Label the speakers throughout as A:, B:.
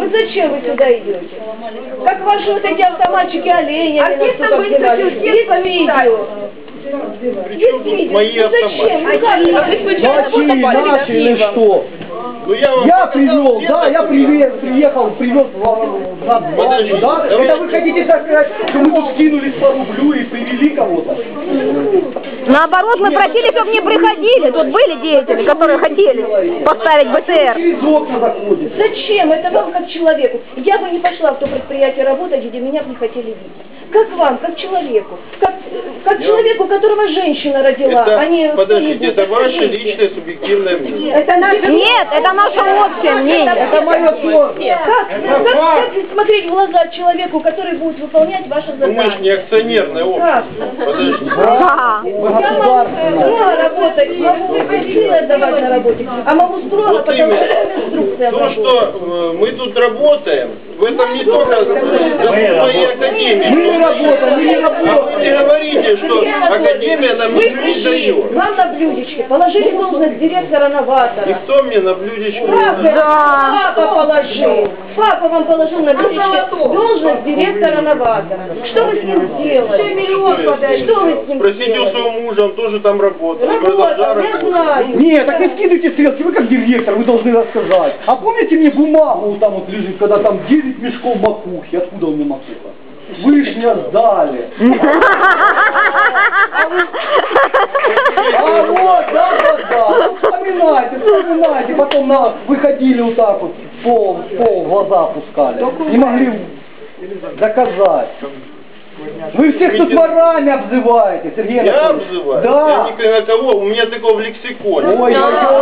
A: Вот зачем вы сюда идете? Как ваши вот эти автоматчики оленя.
B: Артистам быть хочу,
A: есть видео. Есть видео.
C: Мои
A: Зачем?
D: Наши или что?
C: Ну,
D: Я привел, да, я приехал, привез на базу, да? Это вы хотите так сказать, что мы тут скинулись по рублю и привели кого-то?
E: Наоборот, мы просили, чтобы не приходили. Тут были деятели, которые хотели поставить БТР.
D: Через окна заходит.
A: Зачем? Это вам как человеку. Я бы не пошла в то предприятие работать, где меня бы не хотели видеть. Как вам, как человеку? Как человеку, которого женщина родила,
C: это,
A: а не...
C: Подождите, это ваше личное субъективное мнение.
A: Это
E: Нет, это наше общее мнение.
D: Это мое слово.
A: Как смотреть в глаза человеку, который будет выполнять ваше задание?
C: Мы же не акционерное общество. Подождите.
E: Да.
A: Я могу работать, могу выходить отдавать на работе, а могу строго,
C: Вот
A: потому
C: именно.
A: что инструкция
C: То, что мы тут работаем, в этом не только моей академии.
D: Мы не работаем, мы не
C: А
D: работаем.
C: вы не говорите, что академия нам
A: Вы
C: ничего не
A: пришли,
C: дает.
A: вам на блюдечке положили должность директора новатора.
C: Никто мне на блюдечку не
A: Правда?
C: дает.
E: Да.
A: Папа положил. Папа вам положил на блюдечке должность директора новатора. Что вы с ним сделали? Что вы с ним
C: Спросите у
A: сделали?
C: своего мужа, он тоже там работает.
A: Работал, я знаю.
D: Нет, так не скидывайте стрелки, вы как директор, вы должны рассказать. А помните мне бумагу вот там вот лежит, когда там 9 мешков макухи, откуда у меня макуха? Вы ж мне сдали. А вот, да. Вспоминайте, потом выходили вот так вот, в глаза пускали. Не могли доказать. Вы всех тут ворами обзываете, Сергей
C: Я
D: Анатольевич.
C: обзываю?
D: Да.
C: Я никогда на кого, у меня такого в лексиконе.
D: Ой,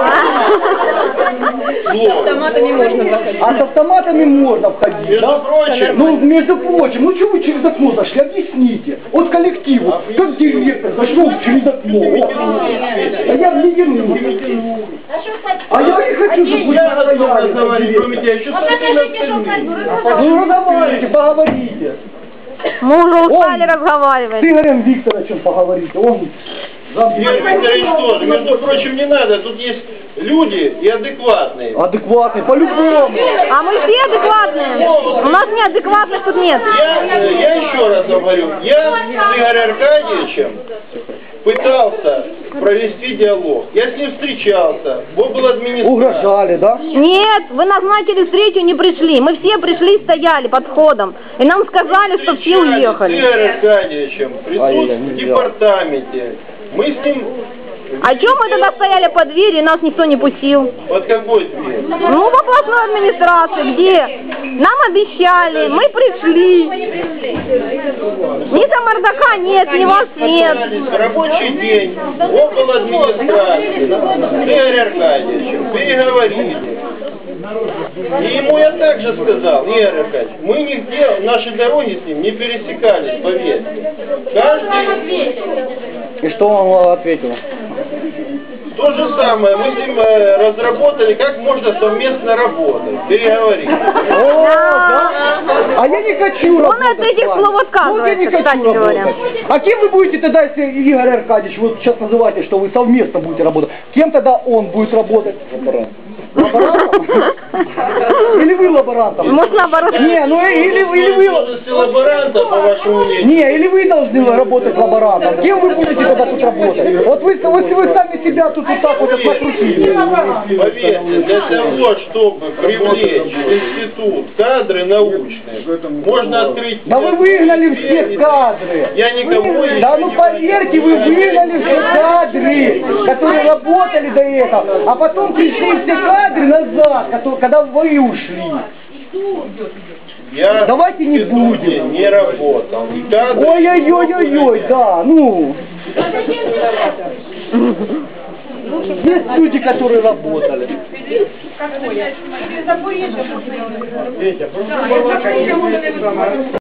B: Автоматами можно заходить.
D: А с автоматами можно входить,
C: Между
D: да?
C: прочим.
D: Ну, между прочим, ну что вы через окно зашли, объясните. Вот коллективу, как директор зашел через окно. А я не тяну. А я не хочу, чтобы вы
C: Я готов
D: стояли.
C: разговаривать, кроме тебя, еще
D: Ну, разговаривайте, поговорите.
E: Мы уже устали
D: С
E: разговаривать.
D: Игорем Викторовичем поговорите. Он
C: Игорь Викторович тоже. Между прочим, не надо. Тут есть люди и адекватные.
D: адекватный, по-любому.
E: А мы все адекватные. У нас неадекватных тут нет.
C: Я еще раз говорю, я с Игорем Аркадьевичем пытался провести диалог. Я с ним встречался. Он был администратором.
D: Угрожали, да?
E: Нет, вы назначили встречу, не пришли. Мы все пришли, стояли под входом. И нам сказали, что все
C: С
E: уехали.
C: Игорем Аркадьевичем присутствует в департаменте. Мы с ним...
E: А чем мы тогда стояли под дверью, и нас никто не пустил?
C: Под какой дверью?
E: Ну, в областной администрации, где нам обещали, мы пришли. Ни Самардака нет, ни вас нет.
C: В рабочий день около администрации с Игорем Аркадьевичем переговорили. И ему я также сказал, Игорь Аркадьевич, мы нигде, наши дороги с ним не пересекались, поверьте. Каждый...
D: И что он ответил?
C: То же самое, мы с ним разработали, как можно совместно работать, переговорить.
D: О, да? А я не хочу работать.
E: Он от этих
D: с вами.
E: слов отказывается,
D: Вот я не хочу
E: кстати говоря.
D: работать. А кем вы будете тогда, если Игорь Аркадьевич, вот сейчас называете, что вы совместно будете работать, кем тогда он будет работать? Лаборантом? Или вы лаборантом?
E: Может, наоборот.
D: Не, ну или вы...
C: Должности лаборанта, по вашему мнению.
D: Не, или вы должны работать лаборантом. Кем вы будете тогда тут работать? Вот вы сами себя тут вот так вот накрутили.
C: Поверьте, для того, чтобы привлечь в институт кадры научные, можно открыть...
D: Да вы выгнали все кадры.
C: Я никого еще
D: Да ну
C: не
D: поверьте, вы выгнали все кадры, которые работали до этого, а потом пришли все кадры назад, когда вы ушли.
C: Я
D: Давайте не
C: в институте
D: будем.
C: не работал. И кадры...
D: Ой-ой-ой-ой-ой, да, ну. Есть люди, которые работали.